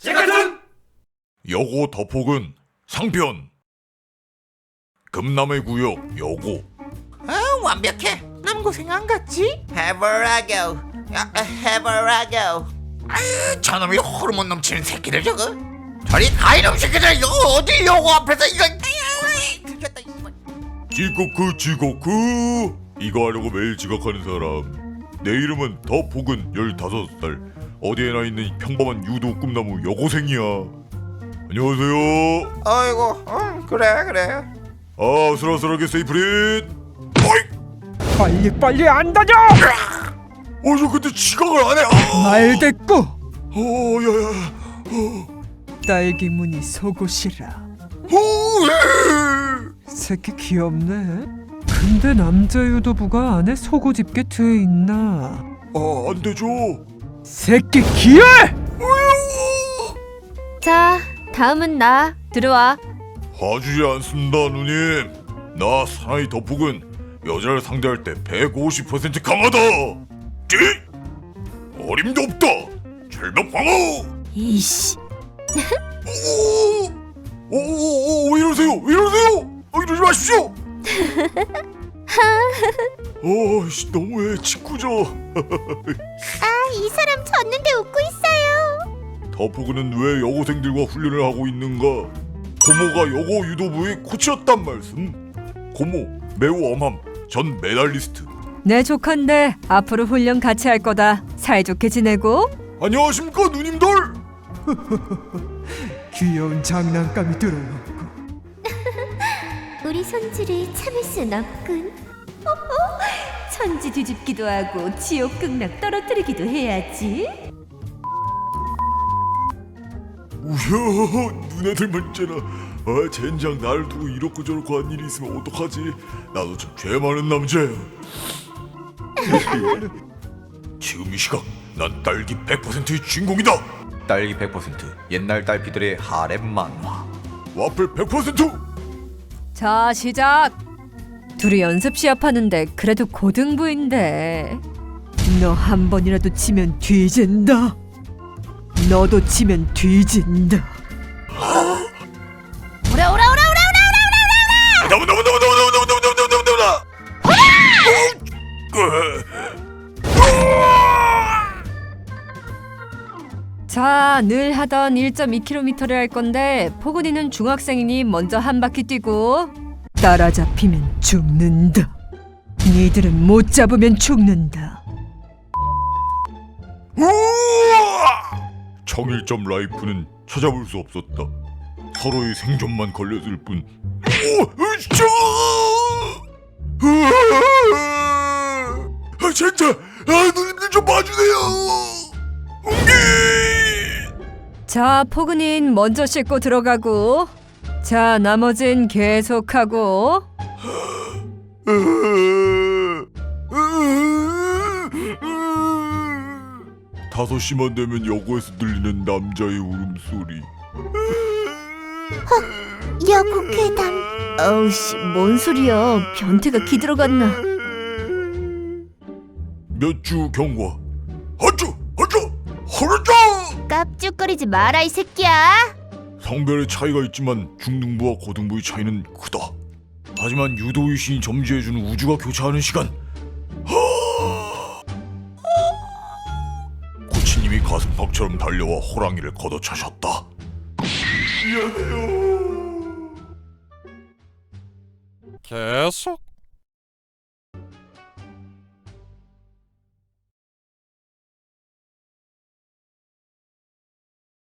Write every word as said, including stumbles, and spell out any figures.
잭같은 여고 더폭은 상편. 금남의 구역 여고. 아, 완벽해. 남고생 안 갔지? 해보라고. 아, 해보라고. 아유, 저놈이 호르몬 넘치는 새끼들 저거. 저리 가 이놈 새끼들. 이거 어디 여고 앞에서 이거. 아유, 들켰다 이거. 지코크 지코크. 이거 하려고 매일 지각하는 사람. 내 이름은 더폭은 열다섯 살. 어디에나 있는 평범한 유도 꿈나무 여고생이야. 안녕하세요. 아이고, 응, 그래 그래. 아, 아슬아슬하게 세이프릿. 어이! 빨리 빨리 안 다녀! 어, 저 근데 지각을 안 해. 아! 말 됐고 어, 야야. 어, 딸기 무늬 속옷이라. 어, 예. 새끼 귀엽네. 근데 남자 유도부가 안에 속옷 입게 돼 있나? 아, 안 되죠. 새끼 귀해! 자, 다음은 나. 들어와. 봐주지 않습니다, 누님. 나 사나이 더폭은 여자를 상대할 때 백오십 퍼센트 강하다. 찌! 어림도 없다. 절벽 방어. 이씨. 오, 오, 오, 왜 이러세요? 왜 이러세요? 어, 이러지 마십시오. 어, 씨, 너무해, 친구죠. 이 사람 졌는데 웃고 있어요. 더폭은 왜 여고생들과 훈련을 하고 있는가? 고모가 여고 유도부의 코치였단 말씀. 고모 매우 엄함. 전 메달리스트. 내 조카인데 앞으로 훈련 같이 할 거다. 사이좋게 지내고. 안녕하십니까 누님들. 귀여운 장난감이 들어왔고 우리 손주를 참을 순 없군. 천지 뒤집기도 하고 지옥 극락 떨어뜨리기도 해야지. 우야, 누나들 문제나. 아, 젠장 날 두고 이렇고 저렇고 한 일이 있으면 어떡하지? 나도 참 죄 많은 남자야. 지금 이 시각 난 딸기 백 퍼센트의 주인공이다. 딸기 백 퍼센트 옛날 딸피들의 하렘 만화. 와플 백 퍼센트. 자, 시작. 둘이 연습 시합하는데 그래도 고등부인데. 너 한 번이라도 치면 뒤진다. 너도 치면 뒤진다. 오라 오라 오라 오라 오라 오라 오라. 너무 너무 너무 너무 너무 너무 너무 너무 너무 너무 나. 자, 늘 하던 일 점 이 킬로미터를 할 건데 포근이는 중학생이니 먼저 한 바퀴 뛰고. 따라잡히면 죽는다. 니들은 못 잡으면 죽는다. 청일점 라이프는 찾아볼 수 없었다. 서로의 생존만 걸렸을 뿐. 오, 으쌰! 아, 진짜, 아, 누님들 좀 봐주세요. 자, 포근인 먼저 씻고 들어가고. 자, 나머진 계속하고. 다섯 시만 되면 여고에서 들리는 남자의 울음소리. 여고 괴담. 어우씨, 뭔 소리야. 변태가 기들어갔나. 몇 주 경과. 하쭈, 하쭈, 허르쭈. 깝죽거리지 마라 이 새끼야. 성별의 차이가 있지만 중등부와 고등부의 차이는 크다. 하지만 유도의 신이 점지해주는 우주가 교차하는 시간. 코치님이 가슴팍처럼 달려와 호랑이를 걷어차셨다. 미안해요. 계속